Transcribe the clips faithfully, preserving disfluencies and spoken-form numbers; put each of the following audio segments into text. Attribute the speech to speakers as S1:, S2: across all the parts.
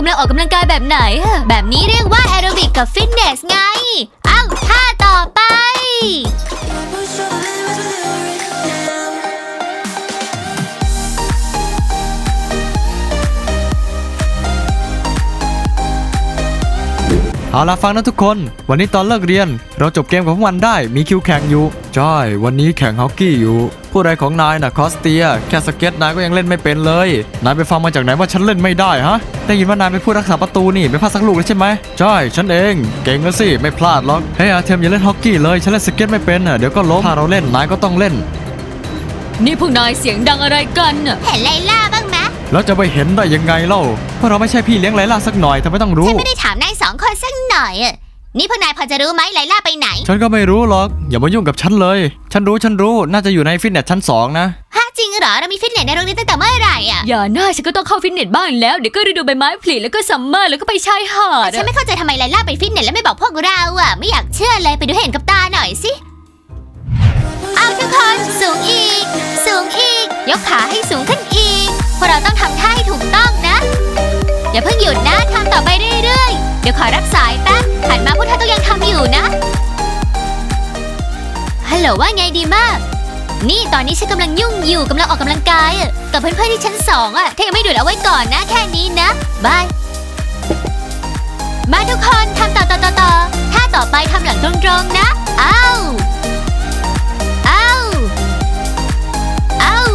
S1: ำลังออกกำลังกายแบบไหนแบบนี้เรียกว่าแอโรบิกกับฟิตเนสไงเอ้าท่าต่อไป
S2: เอาล่ะฟังนะทุกคนวันนี้ตอนเลิกเรียนเราจบเกมของพวกมันได้มีคิวแข่งอยู่ใช่วันนี้แข่งฮอกกี้อยู่ผู้ใดของนายน่ะคอสเตียแค่สเก็ตนายก็ยังเล่นไม่เป็นเลยนายไปฟังมาจากไหนว่าฉันเล่นไม่ได้ฮะได้ยินว่านายเป็นผู้รักษาประตูนี่ไม่พลาดสักลูกเลยใช่ไหมใช่ฉันเองเก่งแล้วสิไม่พลาดหรอกเฮ้ยอาเทมอย่าเล่นฮอกกี้เลยฉันเล่นสเก็ตไม่เป็นอ่ะเดี๋ยวก็ล้มถ้าเราเล่นนายก็ต้องเล่น
S1: นี่พวกนายเสียงดังอะไรกันน่ะเห็นไลล่าบ้างไหม
S2: แล้วจะไปเห็นได้ยังไงเล่าเพราะเราไม่ใช่พี่เลี้ยงไลล่าสักหน่อยทำไมต้องรู้
S1: ฉันไม่ได้ถามนายสองคนสักหน่อยอ่ะนี่พวกนายพอจะรู้ไหมไลล่าไปไหน
S2: ฉันก็ไม่รู้หรอกอย่ามายุ่งกับฉันเลยฉันรู้ฉันรู้น่าจะอยู่ในฟิตเนสชั้นสองนะ
S1: ฮะจริงเหรอเรามีฟิตเนสในโรงเรียนตั้งแต่เมื่อไหร่อ่ะอย่าหน้าฉันก็ต้องเข้าฟิตเนสบ้างแล้วเดี๋ยวก็ฤดูใบไม้ผลิแล้วก็ซัมเมอร์แล้วก็ไปชายหาดฉันไม่เข้าใจทำไมไลล่าไปฟิตเนสแล้วไม่บอกพวกเราอ่ะไม่อยากเชื่อเลยไปดูให้เห็นกับตาหน่อยสิเอาทุกคนสูงอีกสูงอีกยกขาให้สูงขึ้นอีกพวกเราต้องทำท่าให้ถูกต้องนะอย่าเพิ่งหยุดนะทำต่อไปเรื่อยๆเดี๋ยวขอรับสายแป๊บหันมาพวกเธอต้องยังทำอยู่นะฮัลโหลว่าไงดีมากนี่ตอนนี้ฉันกำลังยุ่งอยู่กำลังออกกำลังกายกับเพื่อนๆที่ชั้นสองอ่ะถ้ายังไม่ดูดเอาไว้ก่อนนะแค่นี้นะบายมาทุกคนทำต่อต่อต่อต่อท่าต่อไปทำหลังตรงๆนะอ้าวอ้าวอ้าว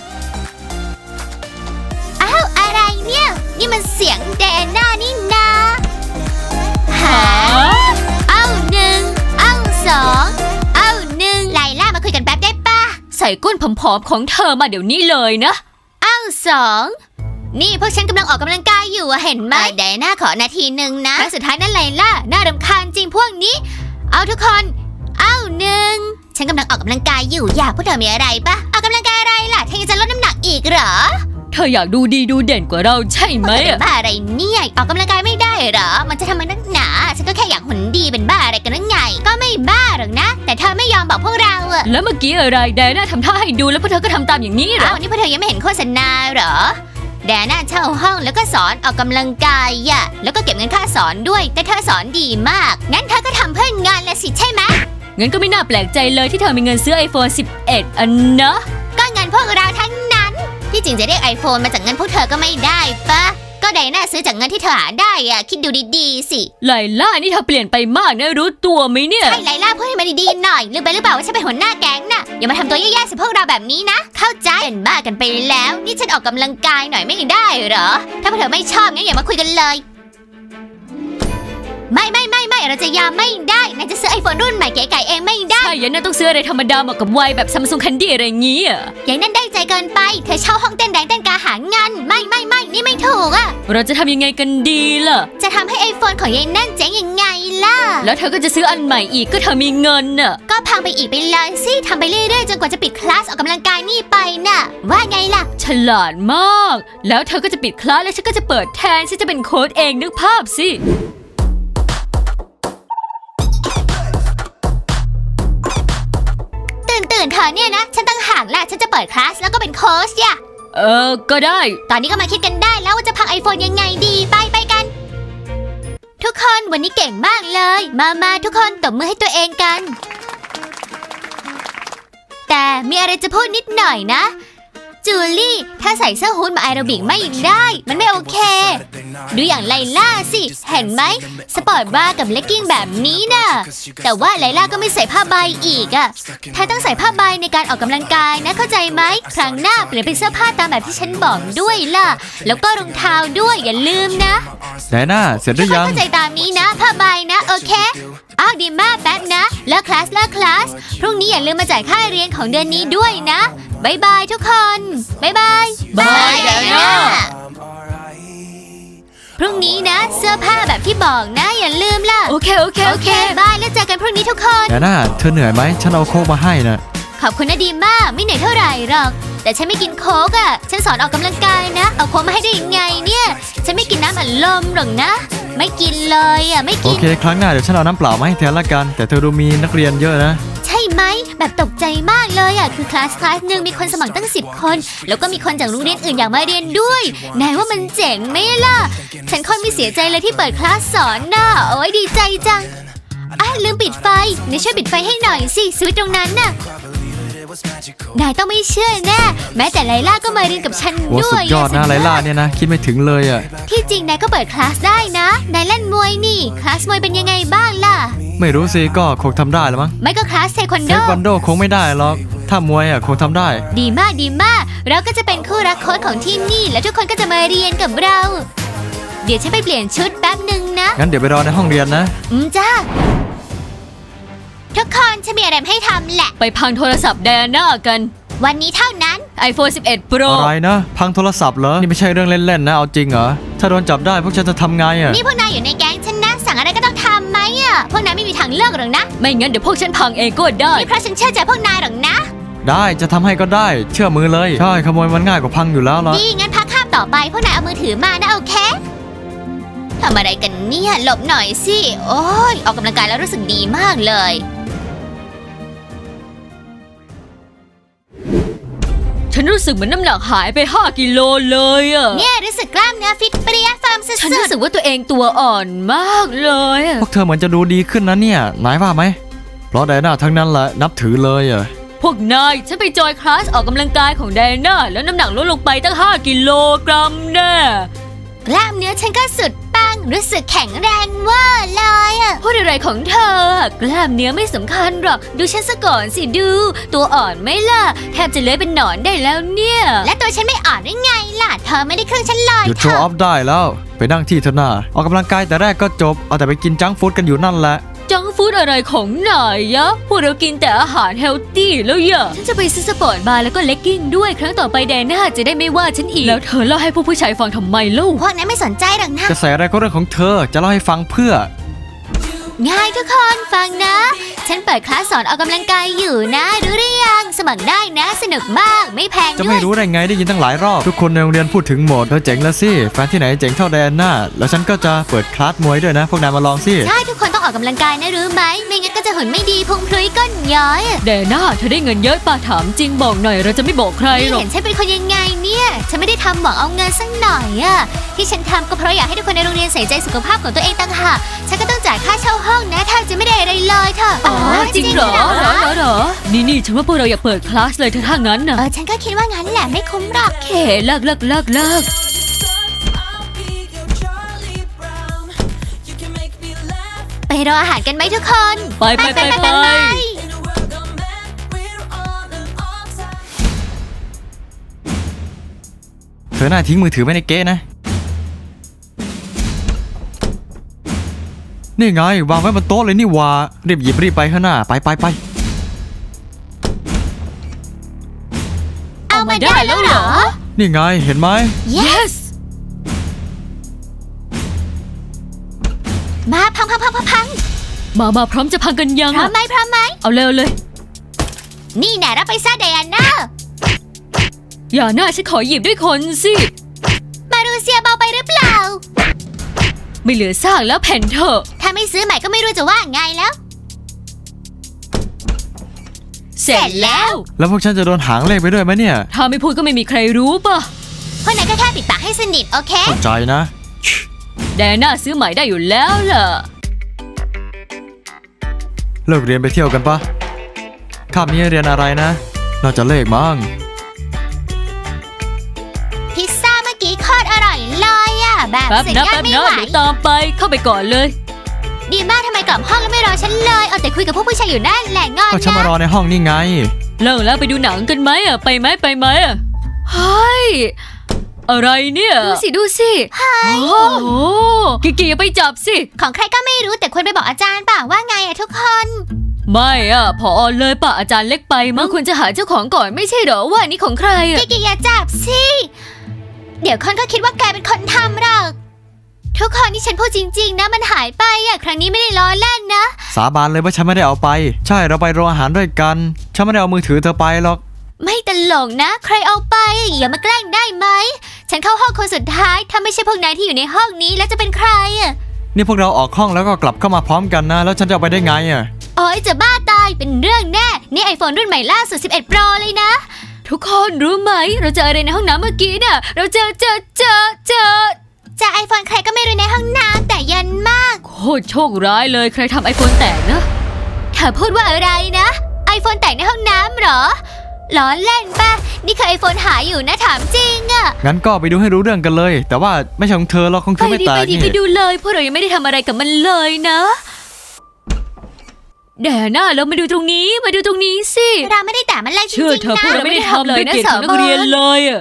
S1: อ้าวอะไรเนี่ยนี่มันเสียงแดน่านี่นาหาอ้าวหนึ่งอ้าวสองอ้าวหนึ่งไลล่ามาคุยกันแป๊บได้ปะใส่ก้นผอมๆของเธอมาเดี๋ยวนี้เลยนะอ้าวสองนี่พวกฉันกำลังออกกำลังกายอยู่เห็นไหมเดน่าขอนาทีหนึ่งนะครั้งสุดท้ายนั่นไลล่าน่ารำคาญจริงพวกนี้เอาทุกคนอ้าวหนึ่งฉันกำลังออกกำลังกายอยู่อยากพวกเธอมีอะไรปะออกกำลังกายอะไรล่ะเธอยังจะลดน้ำหนักอีกเหรอเธออยากดูดีดูเด่นกว่าเราใช่ไหมอะบ้าอะไรเนี่ยออกกำลังกายไม่ได้เหรอมันจะทำมันนักหนาฉันก็แค่อยากหุ่นดีเป็นบ้าอะไรกันนั่นไงก็ไม่บ้าหรอกนะแต่เธอไม่ยอมบอกพวกเราอะแล้วเมื่อกี้อะไรแดน่าทำท่าให้ดูแล้วพวกเธอก็ทำตามอย่างนี้เหรออ้าวนี่พวกเธอยังไม่เห็นโฆษณาเหรอแดน่าเช่าห้องแล้วก็สอนออกกำลังกายอะแล้วก็เก็บเงินค่าสอนด้วยแต่เธอสอนดีมากงั้นเธอก็ทำเพื่องานละสิใช่ไหมงั้นก็ไม่น่าแปลกใจเลยที่เธอมีเงินซื้อ ไอโฟน สิบเอ็ด อันนะก็เงินพวกเราทั้งนั้นที่จริงจะเรียก ไอโฟน มาจากเงินพวกเธอก็ไม่ได้ปะก็ไดน่าซื้อจากเงินที่เธอหาได้อะคิดดูดีๆสิไลล่านี่เธอเปลี่ยนไปมากนะรู้ตัวไหมเนี่ยใช่ไลล่าพูดให้มันดีๆหน่อยลืมไปหรือเปล่าว่าฉันเป็นหัวหน้าแก๊งน่ะอย่ามาทำตัวแย่ๆสิพวกเราแบบนี้นะเข้าใจเป็นบ้ากันไปแล้วนี่ฉันออกกำลังกายหน่อยไม่ได้เหรอถ้าพวกเธอไม่ชอบงั้นอย่ามาคุยกันเลยไม่ไม่ไม่ไม่เราจะยอมไม่ได้นายจะซื้อไอโฟนรุ่นใหม่เก๋ไก่เองไม่ได้ใช่ยันน่าต้องซื้ออะไรธรรมดาเหมาะกับวัยแบบซัมซุงคันดี้อะไรอย่างงี้อ่ะอย่างนั้นได้ใจเกินไปเธอเช่าห้องเต้นแดงเต้นกาหาเงินไม่ไม่ไม่นี่ไม่ถูกอ่ะเราจะทำยังไงกันดีล่ะจะทำให้ไอโฟนของยายนั่นเจ๋งยังไงล่ะแล้วเธอก็จะซื้ออันใหม่อีกก็เธอมีเงินน่ะก็พังไปอีกไปเลยสิทำไปเรื่อยๆจนกว่าจะปิดคลาสออกกำลังกายนี่ไปน่ะว่าไงล่ะฉลาดมากแล้วเธอก็จะปิดคลาสแล้วฉันก็จะเปิดแทนฉันจะเป็นโค้ชเองนึกภาพสิตื่นเธอเนี่ยนะฉันตั้งห่างแหละฉันจะเปิดคลาสแล้วก็เป็นโค้ชย่ะเออก็ได้ตอนนี้ก็มาคิดกันได้แล้วว่าจะพังไอโฟนยังไงดีไปไปกันทุกคนวันนี้เก่งมากเลยมามาทุกคนตบมือให้ตัวเองกันแต่มีอะไรจะพูดนิดหน่อยนะจูลี่ถ้าใส่เสื้อฮู้ดมาแอโรบิกไม่ได้มันไม่โอเคดูอย่างไลล่าสิเห็นไหมสปอร์ตบรากับเลกกิ้งแบบนี้น่ะแต่ว่าไลล่าก็ไม่ใส่ผ้าใบอีกอ่ะเธอต้องใส่ผ้าใบในการออกกำลังกายนะเข้าใจไหมครั้งหน้าเปลี่ยนเป็นเสื้อผ้าตามแบบที่ฉันบอกด้วยล่ะแล้วก็รองเท้าด้วยอย่าลืมนะ
S2: ไดน่าเสร็จหรือยัง
S1: เข้าใจตามนี้นะผ้าใบนะโอเคอ้าวดีมากแป๊บนะเลิกคลาสเลิกคลาสพรุ่งนี้อย่าลืมมาจ่ายค่าเรียนของเดือนนี้ด้วยนะบายบายทุกคนบายบาย
S2: บายไดน่า
S1: พรุ่งนี้นะเสื้อผ้าแบบที่บอกนะอย่าลืมล่ะโอเคโอเคโอเคบายแล้วเจอกันพรุ่งนี้ทุกคน
S2: ไดน่าเธอเหนื่อยไหมฉันเอาโค้กมาให้นะ
S1: ขอบคุณนะดีมากไม่เหนื่อยเท่าไหร่หรอกแต่ฉันไม่กินโค้กอ่ะฉันสอนออกกำลังกายนะเอาโค้กมาให้ได้ยังไงเนี่ยฉันไม่กินน้ำอัดลมหรอกนะไม่กินเลยอ่ะไม่กิน
S2: โอเคครั้งหน้าเดี๋ยวฉันเอาน้ำเปล่ามาให้แทนละกันแต่เธอดูมีนักเรียนเยอะนะ
S1: ใช่ไหมแบบตกใจมากเลยอ่ะคือคลาสคลาสหนึ่งมีคนสมัครตั้งสิบคนแล้วก็มีคนจากโรงเรียนอื่นอยากมาเรียนด้วยนายว่ามันเจ๋งไหมล่ะฉันค่อนไม่เสียใจเลยที่เปิดคลาสสอนน่ะโอ้ยดีใจจังอ่ะลืมปิดไฟนายช่วยปิดไฟให้หน่อยสิสวิตช์ตรงนั้นน่ะนายต้องไม่เชื่อแน่แม้แต่ไลล่าก็มาเรียนกับฉัน
S2: โห
S1: ด้
S2: สุ
S1: ว
S2: ด
S1: ย
S2: ยอดนะไลล่าเนี่ยนะคิดไม่ถึงเลยอ่ะ
S1: ที่จริงนายก็เปิดคลาสได้นะนายเล่นมวยนี่คลาสมวยเป็นยังไงบ้างล่ะ
S2: ไม่รู้สิก็คงทำได้แล้วมั้ง
S1: ไม่ก็คลาสเทควัน
S2: เท
S1: โด
S2: ควันโดคงไม่ได้หรอกถ้ามวยอ่ะคงทำได้
S1: ดีมากดีมากเราก็จะเป็นคู่รักโค้ชของที่นี่แล้วทุกคนก็จะมาเรียนกับเรา เดี๋ยวฉันไปเปลี่ยนชุดแป๊บหนึ่งนะ
S2: งั้นเดี๋ยวไปรอในห้องเรียนนะ
S1: อืมจ้าทุกคนฉันมีอะไรมาให้ทำแหละ
S3: ไปพังโทรศัพท์แดนหน้ากัน
S1: วันนี้เท่านั้น
S3: iPhone สิบเอ็ด Pro
S2: อะไรนะพังโทรศัพท์เหรอนี่ไม่ใช่เรื่องเล่นๆนะเอาจริงเหรอถ้าโดนจับได้พวกฉันจะทำไงอ่ะ
S1: นี่พวกนายอยู่ในแก๊งฉันนะสั่งอะไรก็ต้องทำไหมอ่ะพวกนายไม่มีทางเลือกหรอกนะ
S3: ไม่งั้นเดี๋ยวพวกฉันพังเองก็ได้
S1: นี่เพราะฉันเชื่อใจพวกนายหรอกนะ
S2: ได้จะทำให้ก็ได้เชื่อมือเลยใช่ขโมยมันง่ายกว่าพังอยู่แล้วล่ะ
S1: ดีงั้นพักข้ามต่อไปพวกนายเอามือถือมานะโอเคทำอะไรกันเนี่ยหลบหน่อยสิโอ้ยออกกำลังกายแล้วรู้สึกดีมากเลย
S3: ฉันรู้สึกเหมือนน้ำหนักหายไปห้ากิโลเลยอะ
S1: เนี่ยรู้สึกกล้ามเนื้อฟิตเปรี้ยเฟิร์มสุ
S3: ฉัน
S1: ด
S3: รู้สึกว่าตัวเองตัวอ่อนมากเลยอะ
S2: พวกเธอเหมือนจะดูดีขึ้นนะเนี่ยนายว่าไหมเพราะไดน่าทั้งนั้นแหละนับถือเลยอ่ะ
S3: พวกนายฉันไปจอยคลาสออกกำลังกายของแดนน่าแล้วน้ำหนักลดลงไปตั้งห้ากิโลกรัมแน่
S1: ๆกล้ามเนื้อฉันก็สุดปังรู้สึกแข็งแรงเว่าเลยอะ
S3: พูดอะไรของเธอ กล้ามเนื้อไม่สำคัญหรอกดูฉันซะก่อนสิดู ตัวอ่อนไหมล่ะแทบจะเลื้อยเป็นหนอนได้แล้วเนี่ย
S1: และตัวฉันไม่อ่อนได้ไงล่ะเธอไม่ได้ครึ่งฉันเลย
S2: หยุด
S1: เธ
S2: โชว์
S1: อ
S2: ออฟได้แล้วไปนั่งที่เถอะนาออกกำลังกายแต่แรกก็จบเอาแต่ไปกินจังก์ฟู้ดกันอยู่นั่นแหละ
S3: จังฟู้ดอะไรของนายยะพวกเรากินแต่อาหารเฮลตี้แล้วอย่าฉันจะไปซื้อสปอร์ตบาร์แล้วก็เลกกิ้งด้วยครั้งต่อไปแดน่าจะได้ไม่ว่าฉันอีก แล้วเธอเล่าให้พวกผู้ชายฟังทำไมเล่า
S1: พวกนั้นไม่สนใจหรอกนะ
S2: จะใส่อะไรก็เรื่องของเธอจะเล่าให้ฟังเพื่อ
S1: ง่ายทุกคนฟังนะ ฉันเปิดคลาสสอนออกกำลังกายอยู่นะรู้หรือยังสมัครได้นะสนุกมากไม่แพง
S2: จะ
S1: ด้ว
S2: ไม่
S1: ย
S2: รู้ได้ไงได้ยินตั้งหลายรอบ ทุกคนในโรงเรียนพูดถึงหมดเธอเจ๋งแล้วสิแฟนที่ไหนเจ๋งเท่าแดนน่าแล้วฉันก็จะเปิดคลาสมวยด้วยนะ พวกนายมาลองสิ
S1: ใช่ทุกคนต้องออกกำลังกายนะรู้ไหมไม่งั้นก็จะหุ่นไม่ดีพุงพลุยก้นย้อย
S3: แดน่าเธอได้เงินเยอะป่ะถามจริงบอกหน่อยเราจะไม่บอกใคร
S1: นี่
S3: หรอก
S1: เห็นฉันเป็นคนยังไงเนี่ยฉันไม่ได้ทำหวังเอาเงินสักหน่อยอะที่ฉันทำก็เพราะอยากให้ทุกคนในโรงเรียนใส่ใจสุขภาพของตัวเองต่างหากฉันก็ต้องจ่ายค่าเช่าห้องนะแทบจะไม่ได้อะไรเลยเธอ
S3: อ๋อจริงเหรอเหรอเหรอเหรอนี่นี่ฉันว่าพวกเราอยากเปิดคลาสเลยเธอถ้างั้นน่ะ
S1: เออฉันก็คิดว่างั้นแหละไม่คุ้มหรอก
S3: เคเลิกเลิกเลิกเลิก
S1: ไปรออาหารกันไหมทุกคน
S3: ไปไปไปไป
S2: เธอน่าทิ้งมือถือไว้ในเก๊ะนะนี่ไงวางไว้บนโต๊ะเลยนี่หว่ารีบหยิบรีบไปข้างหน้าไปไปไป
S1: เอามาได้แล้วเหรอ
S2: นี่ไงเห็นไหม
S3: yes
S1: มาพังพังพังพังพัง
S3: มามาพร้อมจะพังกันยัง
S1: พร้อม
S3: อะ
S1: ไหมพร้อมไหม
S3: เอาเร็วเลย
S1: นี่แน่รับไปซะไดอาน่า
S3: อย่าหน้าฉันขอหยิบด้วยคนสิ
S1: มารูเซียเบาไปหรือเปล่า
S3: ไม่เหลือซากแล้วแผ่นเถอะ
S1: ถ้าไม่ซื้อใหม่ก็ไม่รู้จะว่าไงแล้ว
S3: เสร็จแล้ว
S2: แล้วพวกฉันจะโดนหางเลขไปด้วยไหมเนี่ย
S3: ถ้าไม่พูดก็ไม่มีใครรู้ป่ะ
S1: เพราะนั้นก็แค่ปิดปากให้สนิทโอเค
S2: เข้าใจนะ
S3: แดน่าซื้อใหม่ได้อยู่แล้วล่ะ
S2: เลิกเรียนไปเที่ยวกันปะคาบนี้เรียนอะไรนะน่าจะเลขมั้ง
S1: พิซซ่าเมื่อกี้โคตรอร่อยเลยอะแบบ
S3: แป๊บ
S1: สุด
S3: นะ
S1: ยอด
S3: แป๊บ
S1: ไม่
S3: นะ
S1: ไหว
S3: เดี๋ยวตามไปเข้าไปก่อนเลย
S1: ดีมากทำไมกลับห้องแล้วไม่รอฉันเลยเอาแต่คุยกับพวกผู้ชายอยู่นั่นแหละงอน
S2: ก็ฉันมาร
S1: นะ
S2: อในห้องนี่ไง
S3: เลิกแล้วไปดูหนังกันไหมอ่ะไปไหมไปไหมอ่ะเฮ้ยอะไรเนี่ยดูสิดูสิโอ้โหกิกิอย่าไปจับสิ
S1: ของใครก็ไม่รู้แต่ควรไปบอกอาจารย์ป่ะว่าไงอะทุกคน
S3: ไม่อ่ะพอเลยป่ะอาจารย์เล็กไปมั้งควรจะหาเจ้าของก่อนไม่ใช่เหรอว่านี่ของใครอ่ะ
S1: กิกิอย่าจับสิ เดี๋ยวคนก็คิดว่าแกเป็นคนทำหรอก ทุกคนที่ฉันพูดจริงๆนะมันหายไปอะครั้งนี้ไม่ได้ล้อเล่นนะ
S2: สาบานเลยว่าฉันไม่ได้เอาไป ใช่เราไปโรงอาหารด้วยกัน ฉันไม่ได้เอามือถือเธอไปหรอก
S1: ไม่ตลกนะ ใครเอาไปอย่ามาแกล้งได้ไหม ฉันเข้าห้องคนสุดท้ายถ้าไม่ใช่พวกนายที่อยู่ในห้องนี้แล้วจะเป็นใครอะ
S2: นี่พวกเราออกห้องแล้วก็กลับเข้ามาพร้อมกันนะแล้วฉันจะเอาไปได้ไงอ่ะ
S1: โอ้ยจะบ้าตายเป็นเรื่องแน่นี่ iPhone รุ่นใหม่ล่าสุดสิบเอ็ด Pro เลยนะ
S3: ทุกคนรู้ไหมเราเจออะไรในห้องน้ำเมื่อกี้น่ะเราเจอเจอเจอเจอ
S1: จาก iPhone ใครก็ไม่รู้ในห้องน้ำแต่ยันมาก
S3: โคตรโชคร้ายเลยใครทำไอโฟนแตกนะ
S1: เธอพูดว่าอะไรนะ iPhone แตกในห้องน้ำเหรอล้อเล่นป่ะนี่คือ iPhone หายอยู่นะถามจริงอะ
S2: งั้นก็ไปดูให้รู้เรื่องกันเลย แต่ว่าไม่ใช่ของเธอหรอกของเธ
S3: ไป
S2: อไม่
S3: ดิ
S2: แต
S3: ไป
S2: ก
S3: ดิ
S2: นี่
S3: ไปดูเลยพวกเรายังไม่ได้ทำอะไรกับมันเลยนะแดน่าเรามาดูตรงนี้มาดูตรงนี้สิ
S1: เราไม่ได้แต่มันเลยจริ
S3: เชื่อง เธอ
S1: ๆนะ
S3: พวกเราไม่ได้ทำเลยนะสาวนักเรียนเลยอะ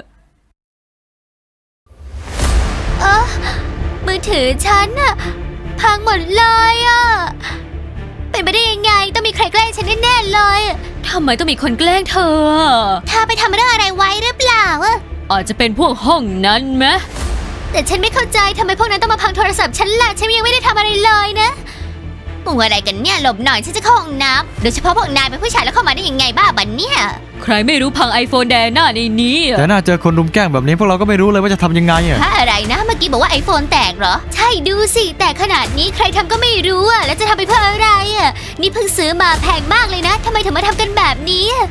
S1: เออมือถือฉันอะพังหมดเลยอะเป็นไปได้ยังไงต้องมีใครแกล้งฉันแน่ๆเลย
S3: ทำไมต้องมีคนแกล้งเธออะ
S1: เธอไปทำเรื่องอะไรไว้หรือเปล่าอะ
S3: อาจจะเป็นพวกห้องนั้นไหม
S1: แต่ฉันไม่เข้าใจทำไมพวกนั้นต้องมาพังโทรศัพท์ฉันล่ะฉันยังไม่ได้ทำอะไรเลยนะมึงอะไรกันเนี่ยหลบหน่อยฉันจะเข้าห้องน้ำโดยเฉพาะพวกนายเป็นผู้ชายแล้วเข้ามาได้ยังไงบ้าบันเนี่ย
S3: ใครไม่รู้พังไอโฟนแดน่าในนี้อะ
S2: แต่น่าเจอคนรุมแกล้งแบบนี้พวกเราก็ไม่รู้เลยว่าจะทำยังไงอ่ะ
S1: ถ้าอะไรนะเมื่อกี้บอกว่าไอโฟนแตกเหรอใช่ดูสิแต่ขนาดนี้ใครทำก็ไม่รู้อะแล้วจะทำไปเพื่ออะไรอะนี่เพิ่งซื้อมาแพงมากเลยนะทำไมถึงมาทำกันแบบนี้อะ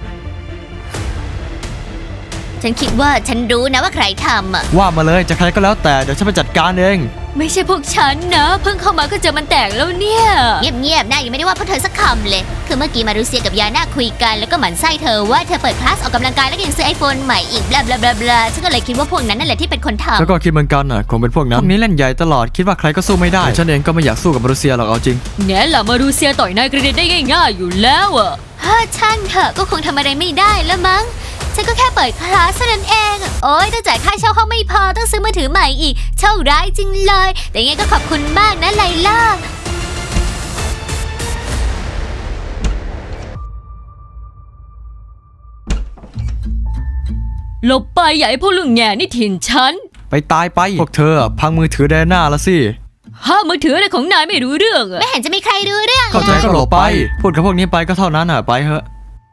S1: ฉันคิดว่าฉันรู้นะว่าใครทำอะ
S2: ว่ามาเลยจะใครก็แล้วแต่เดี๋ยวฉันไปจัดการเอง
S3: ไม่ใช่พวกฉันนะ เพิ่งเข้ามาก็เจอมันแตกแล้วเนี่ย
S1: เงียบๆนะยังไม่ได้ว่าพวกเธอสักคำเลยคือเมื่อกี้มารูเซียกับยาน่าคุยกันแล้วก็หมั่นไส้เธอว่าเธอเปิดคลาสออกกำลังกายแล้วก็ยังซื้อไอโฟนใหม่อีกบลาบลาบลาบลาฉันก็เลยคิดว่าพวกนั้นนั่นแหละที่เป็นคนทำ
S2: แล้วก็คิดเหมือนกันอ่ะคงเป็นพวกนั้นพวกนี้เล่นใหญ่ตลอดคิดว่าใครก็สู้ไม่ได้ฉันเองก็ไม่อยากสู้กับรัสเซียหรอกเอาจริง
S3: แง่ล่ะมารูเซียต่อยนายกระเด็นได้ง่ายๆอยู่แล้วอะ
S1: ถ้าช่างเถอะก็คงทำอะไรไม่ได้แล้วมั้งฉันก็แค่เปิดคลาสเท่านั้นเองโอ๊ยต้องจ่ายค่าเช่าห้องไม่พอต้องซื้อมือถือใหม่อีกเช่าร้ายจริงเลยแต่ยังไงก็ขอบคุณมากนะไลล่า
S3: หลบไปอย่าให้พวกลุงแง่นี่ถิ่นฉัน
S2: ไปตายไปพวกเธออะพังมือถือแดน่าละสิ
S3: ห้ามมือถืออะไรของนายไม่รู้เรื่องอะ
S1: ไม่เห็นจะมีใครรู้เรื่อง
S2: เข้าใจ
S1: เลย
S2: ก็หลบไป พูดกับพวกนี้ไปก็เท่านั้นอ่ะไปเถอะ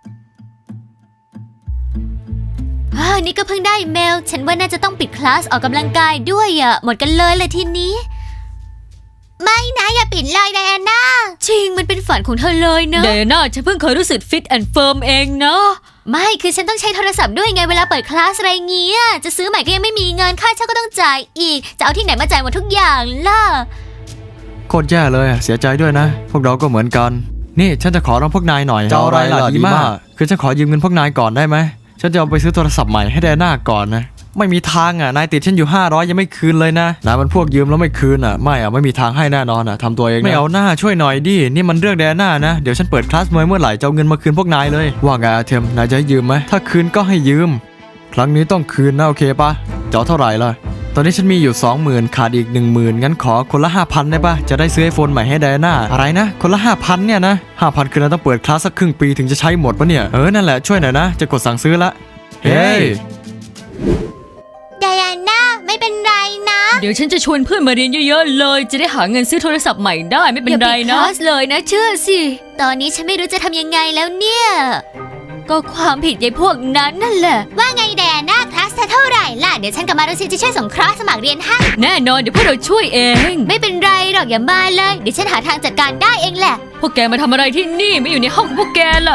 S1: อ่านี่ก็เพิ่งได้เมลฉันว่าน่าจะต้องปิดคลาสออกกำลังกายด้วยอ่ะหมดกันเลยเลยทีนี้ ไม่นะอย่าปิดเลยไดอาน่า
S3: จริงมันเป็นฝันของเธอเลยนะเดน่าฉันเพิ่งเคยรู้สึกฟิตแอนด์เฟิร์มเองนะ
S1: ไม่คือฉันต้องใช้โทรศัพท์ด้วยไงเวลาเปิดคลาสอะไรเงี้ยจะซื้อใหม่ก็ยังไม่มีเงินค่าเช่าก็ต้องจ่ายอีกจะเอาที่ไหนมาจ่ายหมดทุกอย่างล่ะ
S2: โคตรแย่เลยอะเสียใจด้วยนะ พวกเราก็เหมือนกัน นี่ฉันจะขอร้องพวกนายหน่อย
S4: จะเอาอะไรล่ะดีมาก
S2: คือฉันขอยืมเงินพวกนายก่อนได้ไหมฉันจะเอาไปซื้อโทรศัพท์ใหม่ให้แดน่าก่อนนะไม่มีทางอ่ะนายติดฉันอยู่ห้าร้อยยังไม่คืนเลยนะนายมันพวกยืมแล้วไม่คืนอ่ะไม่อ่ะไม่มีทางให้แน่นอนอ่ะทำตัวเองนะไม่เอาหน้าช่วยหน่อยดินี่มันเรื่องแดน่านะเดี๋ยวฉันเปิดคลาสมวยเมื่อไหร่จะเอาเงินมาคืนพวกนายเลยว่าไงอาเทมนายจะให้ยืมไหมถ้าคืนก็ให้ยืม ครั้งนี้ต้องคืนนะโอเคปะจะเอาเท่าไหร่ล่ะตอนนี้ฉันมีอยู่ สองหมื่น ขาดอีก หนึ่งหมื่น งั้นขอคนละ ห้าพัน ได้ปะจะได้ซื้อไอโฟนใหม่ให้ไดอาน่าอะไรนะคนละ ห้าพัน เนี่ยนะ ห้าพัน คือเราต้องเปิดคลาสสักครึ่งปีถึงจะใช้หมดปะเนี่ยเออนั่นแหละช่วยหน่อยนะจะกดสั่งซื้อละเฮ้ย
S1: ไดอาน่าไม่เป็นไรนะ
S3: เดี๋ยวฉันจะชวนเพื่อนมาเรียนเยอะๆเลย จะได้หาเงินซื้อโทรศัพท์ใหม่ได้ไม่เป็น
S1: อย่า
S3: ไร
S1: ปิดค
S3: นะ
S1: ลาสเลยนะ
S3: เชื่อสิ
S1: ตอนนี้ฉันไม่รู้จะทำยังไงแล้วเนี่ย
S3: ก็ความผิดยายพวกนั้นนั่นแหละ
S1: ว่าไงแดน่าคลาสเท่าไหร่ล่ะเดี๋ยวฉันกับมารุซีจะช่วยส่งคลาสสมัครเรียนให้
S3: แน่นอนเดี๋ยวพวกเราช่วยเอง
S1: ไม่เป็นไรหรอกอย่ามาเลยเดี๋ยวฉันหาทางจัดการได้เองแหละ
S3: พวกแกมาทำอะไรที่นี่ไม่อยู่ในห้องของพวกแกล่ะ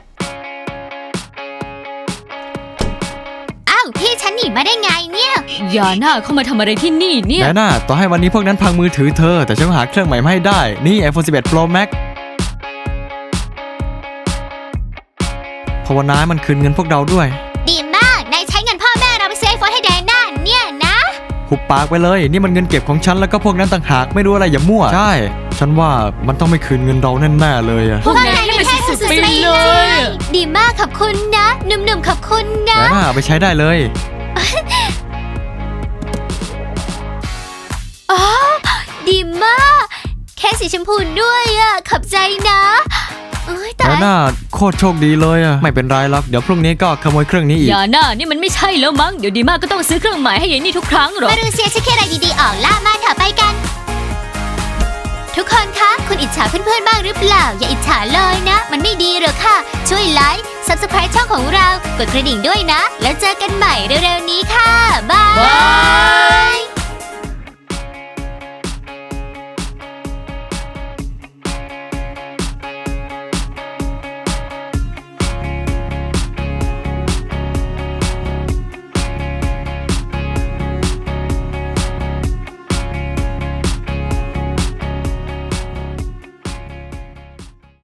S1: อ้าวพี่ฉันหนีมาได้ไงเนี่ย
S3: อย่าหน้าเข้ามาทำอะไรที่นี่เนี่ย
S2: ไดอาน่าต่อให้วันนี้พวกนั้นพังมือถือเธอแต่ฉันก็หาเครื่องใหม่มาให้ได้นี่ ไอโฟน สิบเอ็ด Pro Max ภาวนาให้มันคืนเงินพวกเราด้วย
S1: ดีมากนายใช้เงินพ่อแม่เราไปซื้อไอโฟนให้แดน่าเนี่ยนะ
S2: หุบปากไปเลยนี่มันเงินเก็บของฉันแล้วก็พวกนั้นต่างหากไม่รู้อะไรอย่ามั่วใช่ฉันว่ามันต้องไม่คืนเงินเราแน่ๆเลยอะ
S3: พวกนายให้มันสุดๆไปเลย
S1: ดีมากขอบคุณนะหนุ่มๆขอบคุณนะ
S2: ไดอาน่าเอาไปใช้ได้เลย
S1: อ๋อดีมากแค่สีชมพูด้วยอะขอบใจนะเอ้ย
S2: ได
S1: ตาย
S2: อาน่าโคตรโชคดีเลยอะไม่เป็นไรหรอกเดี๋ยวพรุ่งนี้ก็ขโมยเครื่องนี้อีก
S3: อย่าหน้านี่มันไม่ใช่แล้วมั้งเดี๋ยวดีมากก็ต้องซื้อเครื่องหมายให้ยายนี่ทุกครั้งหรอ
S1: มาดูเซียเช็คอะไรดีๆออกล่ามาเถอะไปกัน ทุกคนคะคุณอิจฉาเพื่อนๆบ้างหรือเปล่า อย่าอิจฉาเลยนะ มันไม่ดีหรอกค่ะ ช่วยไลค์ ซับสไครต์ช่องของเรา กดกระดิ่งด้วยนะ แล้วเจอกันใหม่เร็วๆนี้ค่ะ